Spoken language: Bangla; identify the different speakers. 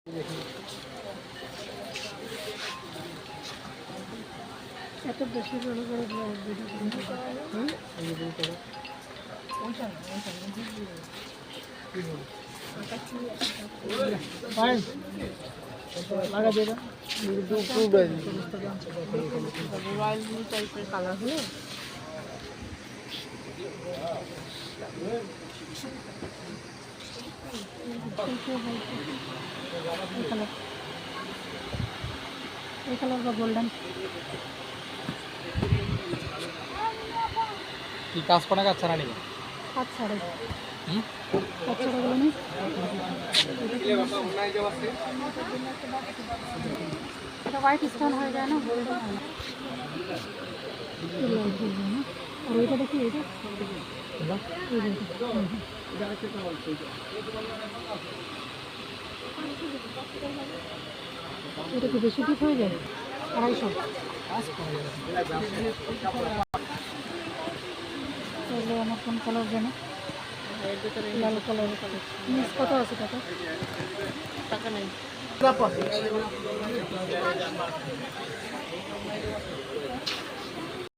Speaker 1: এত বেশি বড় বড় ব্লগ লাগা দেবে টাইপের কালার হলো এই কালার বা গোল্ডেন
Speaker 2: কি কাজ করা কাজ ছাড়া নাকি
Speaker 1: কাজ ছাড়ে কাজ ছাড়া গেল না এটা হোয়াইট স্টোন হয়ে যায় না গোল্ডেন হয় না আর ওইটা দেখি এইটা এটা কি বেশি ঠিক হয়ে যায় 250 তাহলে আমার কোন কালার জানো লাল কালারের কালার মিস কত আছে টাকা নেই